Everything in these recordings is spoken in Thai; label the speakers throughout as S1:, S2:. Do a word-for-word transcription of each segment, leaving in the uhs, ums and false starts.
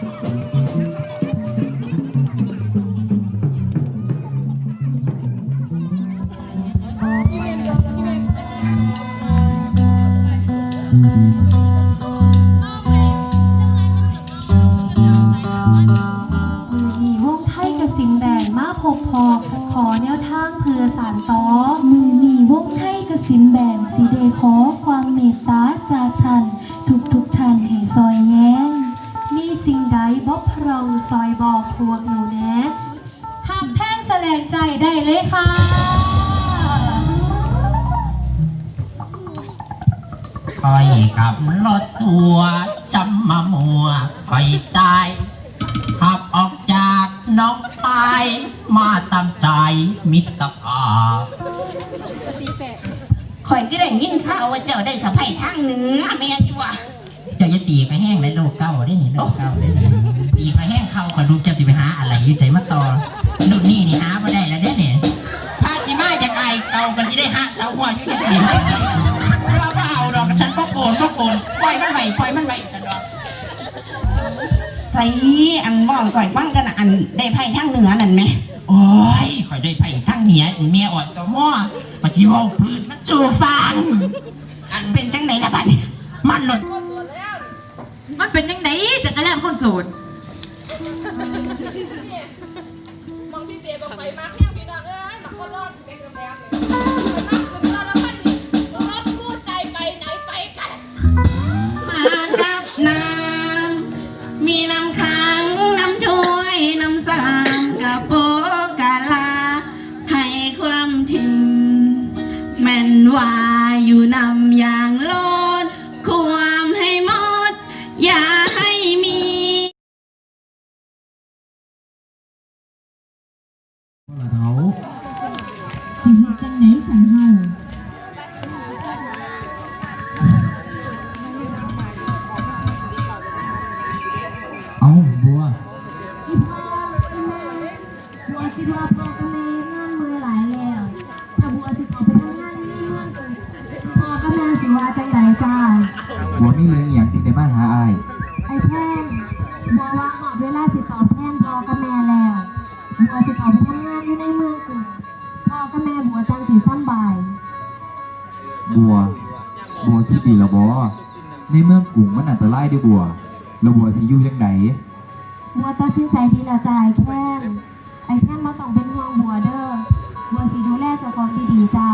S1: พบพอขอแนวทางเพื่อสานต่อมือนีวงไทยกสินแบนสีเดขอความเมตตาจากท่านทุกทุกท่านให้ซอยแย้งมีสิ่งใดบอกเราซอยบอกพวกหนูแนะหักแท่งแสลงใจได้เลยค่ะ
S2: คอยกับรถทัวร์จำมามัวคอยตายขับออกจากน้องตายมาตามใจมิตรภาพ
S3: ข่อยก็ได้ยินข่าวว่าเจ้าได้สะใภ้ทางเหนือแม่จัว
S2: เจ้าจะตีไปแห้งในโลกเก้าได้โลกเก้าได้ตีไปแห้งเข้าขอดูเจ้าจะไปหาอะไรยืดใจมาต่อนู่นนี่นี่หามาได้แล้วเด้เนี่ยพาสิมาจากไอเก่ากันที่ได้หาเสาหัวยุ่งยากเราเปล่าดอกฉันก็โกนก็โกนปล่อยมันไหวปล่อยมันไหวฉันดอก
S3: ใส่อันบ้องข่อยฟังกันอันได้ไพ่ทางเหนือนั่นไหม
S2: โอ้ยข่อยได้ไพ่ทางเหนือเมียอ่อนตัวม่อปฏิวัติพื้นมันสู่ฟัง
S3: อันเป็นจังไหนละบัด
S2: มันหลุด
S4: มันเป็นยังไงจะกระแลมคนโสด
S5: มองพี่เจบอกไปมาแค่พี่น้องเอ้ยหมักคนรอดเด็กโรงแรมเนี่ยมาขึ้นมาแล้วมันนี่รถพูดใจไปไหนไปกัน
S3: มากับน้ำมีน้ำค้างน้ำช่วยน้ำสามกะโปกะลาให้ความถึงแม่นว่าอยู่นำอย่างโลดความให้หมดอย่าให้มี
S2: เขา
S1: สิเฮ็ดจังไหนสันเฮา
S2: เอาบัว
S1: อีพ่ออีแม่บัวคิดว่าพ่อกับแม่งานมือหลายแล้วถ้าบัวสิขอไปทำงานนี่เมืองพ่อกับแม่สิว่าจังไหนจ้า
S2: บัวมีเรื่องอย่างที่ได้มาหาไอ้
S1: ไอ้แท่งบัวว่าหอบเวลาสิตอบแทนพ่อกับแม่แล้วบัวสิขอไปทำงานอยู่ในเมืองกูพ่อกับแม่บัวจังสิสบาย
S6: บัวบัวที่ดีละบอในเมืองกรุงมันอันตรายด้วยบัวแล้วบัวสิอยู่ยังไง
S1: บัวตัดสินใจดีละจ้าไอ้แท่งไอ้แท่งมาต้องเป็นห่วงบัวเด้อบัวสิดูแลเจ้าของดีๆจ้า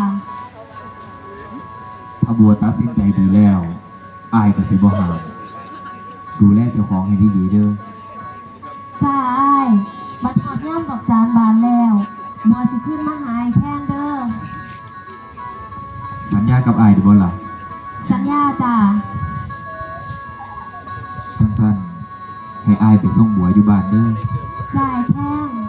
S6: ถ้าบัวตัดสินใจดีแล้วอายก็สิบ่หามดูแลเจ้าของให้ดีๆเด้อ
S1: จ้าอ้ายมาทอดย่ำดอกจานบานแล้วบัวสิขึ้นมาหาไอ้แท่งเด้อ
S6: สัญญากับอายได้บ่ล่ะ
S1: สัญญาจ้า
S6: สั้นๆให้อายไปส่งบัวอยู่บ้านเด้อ
S1: จ้าไอ้แท่ง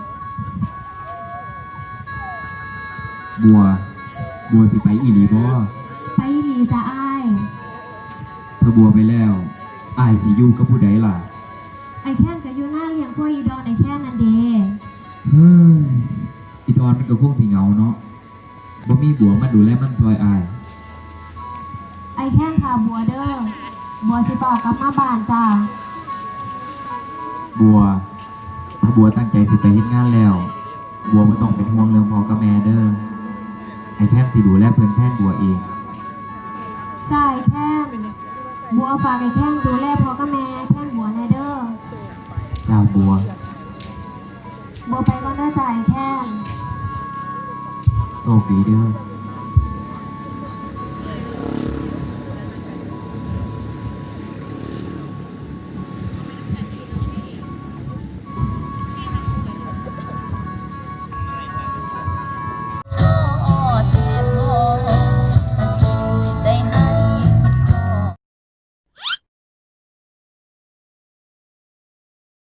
S6: บัวบัวสิไปอีหลีบ่
S1: ไปอีหลีจ้าอ้าย
S6: ถ้าบัวไปแล้วอายสิอยู่กับผู้ใดล่ะ
S1: ไอ้แท่งก็อยู่หน้าเลี้ยงพวกอีดอนไอ้แท่งนั่นเด้
S6: เฮ้ยอีดอนมันก็คงสิเหงาเนาะบ่มีบัวมาดูแลมันซอยอาย
S1: ไอ้แท่งพาบัวเด้อบัวสิต่อกลับมาบ้านจ้า
S6: บัวถ้าบัวตั้งใจสิไปเฮ็ดงานแล้วบัวบ่ต้องเป็นห่วงเรื่องพ่อกับแม่เด้อไอ้แท่งสิดูแลเพิ่นแทนบัวเอง
S1: ใช่แท่งบัวฝากไอ้แท่งดูแลพ่อกับแม่แท่งบัวในเด้อ
S6: จ้าบัว
S1: บัวไปก่อนเด้อจ้าไอ้แท่ง
S6: โชคดีเด้อ